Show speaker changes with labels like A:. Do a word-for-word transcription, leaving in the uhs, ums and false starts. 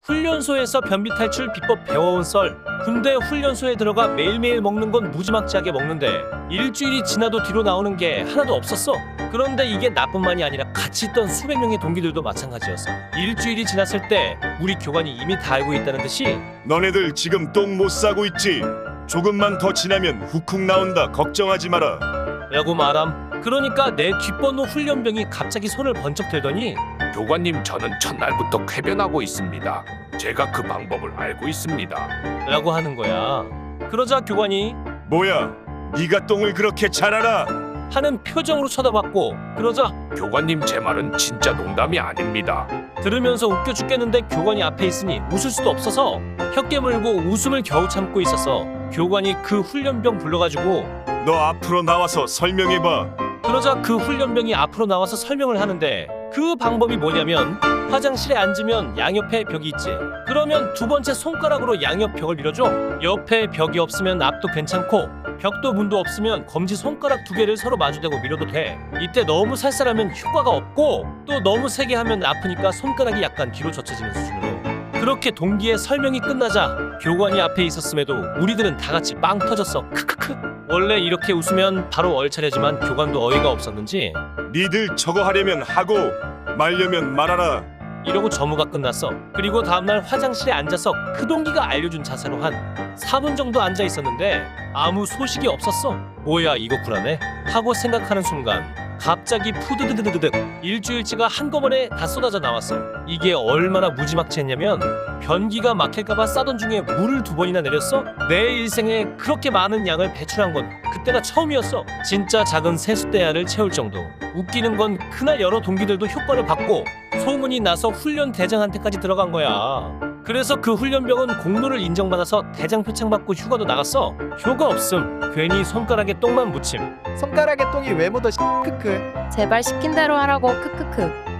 A: 훈련소에서 변비 탈출 비법 배워온 썰. 군대 훈련소에 들어가 매일매일 먹는 건 무지막지하게 먹는데 일주일이 지나도 뒤로 나오는 게 하나도 없었어. 그런데 이게 나뿐만이 아니라 같이 있던 수백 명의 동기들도 마찬가지였어. 일주일이 지났을 때 우리 교관이 이미 다 알고 있다는 듯이
B: 너네들 지금 똥 못 싸고 있지? 조금만 더 지나면 후쿡 나온다. 걱정하지 마라.
A: 라고 말함. 그러니까 내 뒷번호 훈련병이 갑자기 손을 번쩍 들더니
C: 교관님, 저는 첫날부터 쾌변하고 있습니다. 제가 그 방법을 알고 있습니다.
A: 라고 하는 거야. 그러자 교관이
B: 뭐야? 네가 똥을 그렇게 잘 알아?
A: 하는 표정으로 쳐다봤고, 그러자
C: 교관님, 제 말은 진짜 농담이 아닙니다.
A: 들으면서 웃겨 죽겠는데 교관이 앞에 있으니 웃을 수도 없어서 혀 깨물고 웃음을 겨우 참고 있었어. 교관이 그 훈련병 불러가지고
B: 너 앞으로 나와서 설명해봐.
A: 그러자 그 훈련병이 앞으로 나와서 설명을 하는데 그 방법이 뭐냐면 화장실에 앉으면 양옆에 벽이 있지. 그러면 두 번째 손가락으로 양옆 벽을 밀어줘. 옆에 벽이 없으면 앞도 괜찮고 벽도 문도 없으면 검지 손가락 두 개를 서로 마주대고 밀어도 돼. 이때 너무 살살하면 효과가 없고 또 너무 세게 하면 아프니까 손가락이 약간 뒤로 젖혀지는 수준으로. 그렇게 동기의 설명이 끝나자 교관이 앞에 있었음에도 우리들은 다 같이 빵 터졌어. 크크크. 원래 이렇게 웃으면 바로 얼차려지만 교관도 어이가 없었는지
B: 니들 저거 하려면 하고 말려면 말아라.
A: 이러고 점호가 끝났어. 그리고 다음날 화장실에 앉아서 그 동기가 알려준 자세로 한 사 분 정도 앉아 있었는데 아무 소식이 없었어. 뭐야 이거 쿨하네 하고 생각하는 순간 갑자기 푸드드드드득 일주일치가 한꺼번에 다 쏟아져 나왔어. 이게 얼마나 무지막지했냐면 변기가 막힐까봐 싸던 중에 물을 두 번이나 내렸어. 내 일생에 그렇게 많은 양을 배출한 건 그때가 처음이었어. 진짜 작은 세숫대야를 채울 정도. 웃기는 건 그날 여러 동기들도 효과를 받고 소문이 나서 훈련 대장한테까지 들어간 거야. 그래서 그 훈련병은 공로를 인정받아서 대장 표창 받고 휴가도 나갔어. 효과 없음. 괜히 손가락에 똥만 묻힘.
D: 손가락에 똥이 왜 묻어? 크크.
E: 제발 시킨 대로 하라고 크크크.